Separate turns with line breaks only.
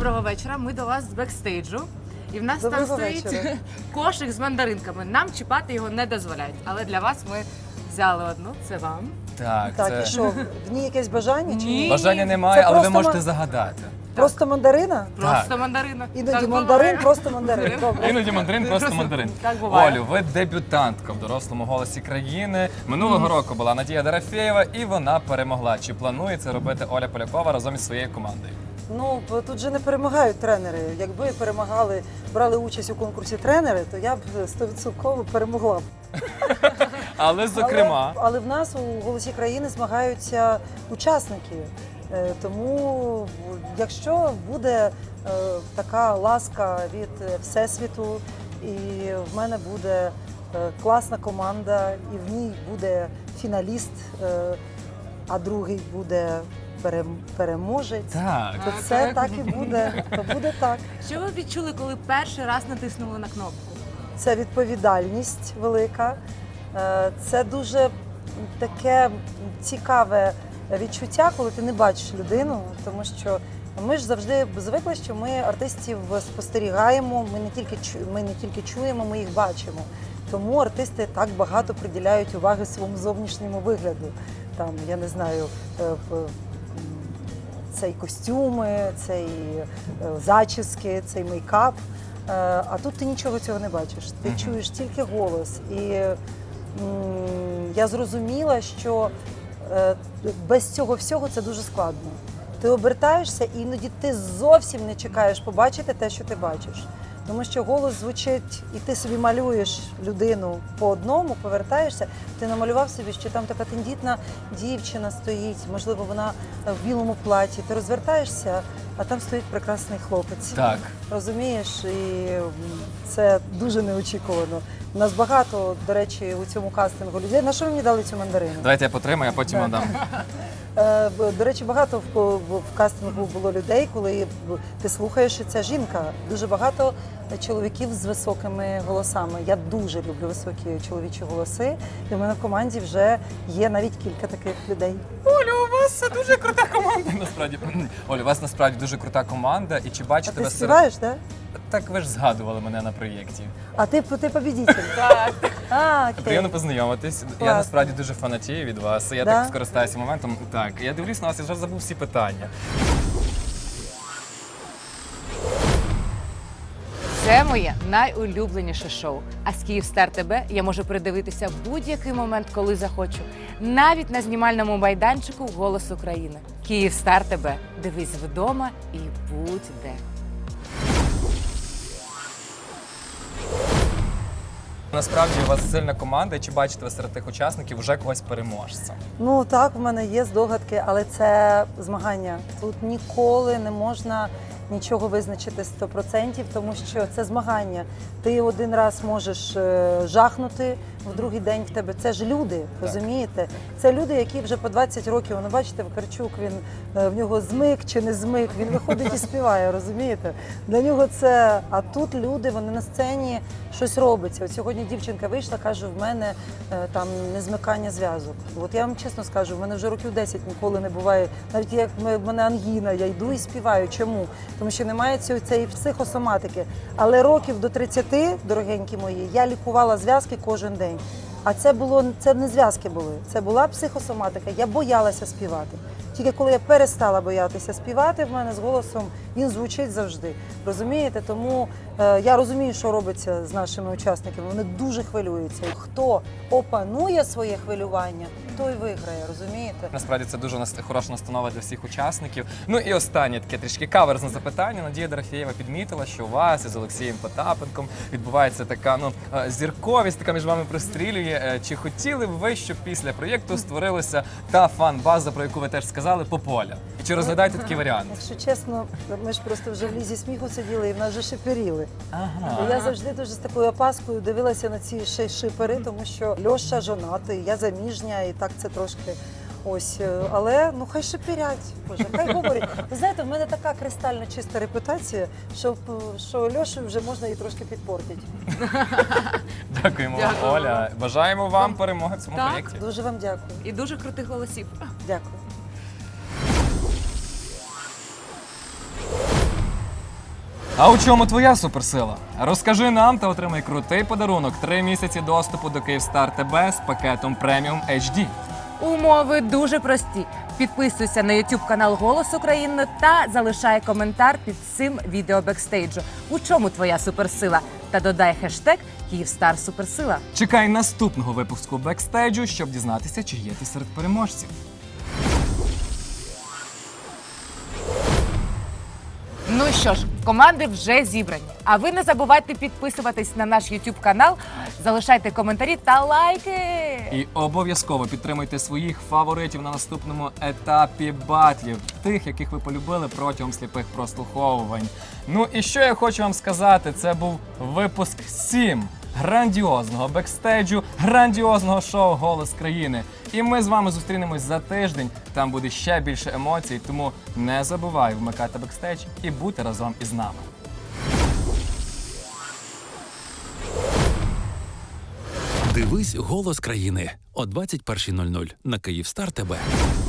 Доброго вечора. Ми до вас з бекстейджу. І в нас там стоїть кошик з мандаринками. Нам чіпати його не дозволяють. Але для вас ми взяли одну. Це вам.
Так,
Так, і що, в ній якесь бажання чи ні?
Бажання немає,
Це
але ви
просто
можете загадати.
Просто мандарина?
Просто мандарина.
Іноді
Так
мандарин,
буває.
просто мандарин. Добре.
Іноді мандарин, просто мандарин.
Так буває.
Олю, ви дебютантка в дорослому голосі країни. Минулого року була Надія Дорофєєва, і вона перемогла. Чи планує це робити Оля Полякова разом із своєю командою?
Ну, тут же не перемагають тренери. Якби перемагали, брали участь у конкурсі тренери, то я б 100% перемогла б.
Але, зокрема,
Але в нас у «Голосі країни» змагаються учасники. Тому, якщо буде така ласка від Всесвіту, і в мене буде класна команда, і в ній буде фіналіст, а другий буде переможець,
так.
то це так і буде. То буде так.
Що ви відчули, коли перший раз натиснули на кнопку?
Це відповідальність велика. Це дуже таке цікаве відчуття, коли ти не бачиш людину, тому що ми ж завжди звикли, що ми артистів спостерігаємо, ми не тільки чуємо, ми їх бачимо. Тому артисти так багато приділяють уваги своєму зовнішньому вигляду. Там, я не знаю, цей костюми, цей зачіски, цей мейкап. А тут ти нічого цього не бачиш. Ти чуєш тільки голос. І я зрозуміла, що без цього всього це дуже складно. Ти обертаєшся і іноді ти зовсім не чекаєш побачити те, що ти бачиш. Тому що голос звучить, і ти собі малюєш людину по одному, повертаєшся, ти намалював собі, що там така тендітна дівчина стоїть, можливо, вона в білому платі. Ти розвертаєшся, а там стоїть прекрасний хлопець.
Так.
Розумієш? І це дуже неочікувано. У нас багато, до речі, у цьому кастингу людей. На що ви мені дали цю мандарину?
Давайте я потримаю, а потім надам.
До речі, багато в кастингу було людей, коли ти слухаєш, що ця жінка. Дуже багато чоловіків з високими голосами. Я дуже люблю високі чоловічі голоси. І в мене в команді вже є навіть кілька таких людей.
Оля, у вас дуже крута команда. Насправді, Оля, у вас насправді дуже крута команда. І чи
А
бачите
ти
ви
співаєш, так?
Так ви ж згадували мене на проєкті.
А ти побідитель.
Так.
Окей.
Приємно познайомитись. Я
Класно.
насправді дуже фанатію від вас. Я
Да?
так скористаюся моментом. Так, я дивлюсь на вас, я вже забув всі питання.
Це моє найулюбленіше шоу. А з Київстар ТБ я можу передивитися будь-який момент, коли захочу. Навіть на знімальному майданчику «Голос України». Київстар ТБ. Дивись вдома і будь де.
Насправді у вас сильна команда, і чи бачите ви серед тих учасників вже когось переможця?
Ну так, в мене є здогадки, але це змагання. Тут ніколи не можна нічого визначити 100%, тому що це змагання. Ти один раз можеш жахнути, в другий день в тебе. Це ж люди, розумієте? Це люди, які вже по 20 років, ну бачите, Вакарчук, він в нього змик чи не змик, він виходить і співає, розумієте? Для нього це, а тут люди, вони на сцені, щось робиться. От сьогодні дівчинка вийшла, каже, в мене там незмикання зв'язок. От я вам чесно скажу, в мене вже років 10 ніколи не буває, навіть як в мене ангіна, я йду і співаю. Чому? Тому що немає цієї психосоматики. Але років до 30, дорогенькі мої, я лікувала зв'язки кожен день. А це не зв'язки були, це була психосоматика. Я боялася співати. Тільки коли я перестала боятися співати, в мене з голосом він звучить завжди. Розумієте? Тому я розумію, що робиться з нашими учасниками. Вони дуже хвилюються. Хто опанує своє хвилювання, той виграє, розумієте?
Насправді це дуже хороша настанова для всіх учасників. Ну і останнє таке трішки каверзне запитання. Надія Дорофєєва підмітила, що у вас із Олексієм Потапенком відбувається така зірковість, така між вами пристрілює. Чи хотіли б ви, щоб після проєкту створилася та фан-база, про яку ви теж сказали, Пополя? І чи розглядаєте такий варіант?
Якщо чесно, ми ж просто вже в лізі сміху сиділи і в нас вже шиперіли.
Ага.
І я завжди дуже з такою опаскою дивилася на ці шипери, тому що Льоша жонатий, я заміжня, і так це трошки ось. Але ну хай шиперять, Боже, хай говорять. Ви знаєте, в мене така кристально чиста репутація, що Льошу вже можна і трошки підпортити.
Дякуємо вам,
Дякую.
Оля. Бажаємо вам перемоги в цьому
Так.
проєкті.
Дуже вам дякую.
І дуже крутих голосів.
Дякую.
А у чому твоя суперсила? Розкажи нам та отримай крутий подарунок: 3 місяці доступу до Київстар ТБ з пакетом преміум HD.
Умови дуже прості. Підписуйся на YouTube канал Голос України та залишай коментар під цим відео бекстейджу. У чому твоя суперсила? Та додай хештег Київстар Суперсила.
Чекай наступного випуску бекстейджу, щоб дізнатися, чи є ти серед переможців.
Ну що ж, команди вже зібрані. А ви не забувайте підписуватись на наш YouTube канал, залишайте коментарі та лайки.
І обов'язково підтримуйте своїх фаворитів на наступному етапі батлів, тих, яких ви полюбили протягом сліпих прослуховувань. Ну і що я хочу вам сказати, це був випуск 7 грандіозного бекстейджу, грандіозного шоу «Голос країни». І ми з вами зустрінемось за тиждень, там буде ще більше емоцій, тому не забувай вмикати бекстейдж і бути разом із нами.
Дивись «Голос країни» о 21:00 на Київстар ТБ.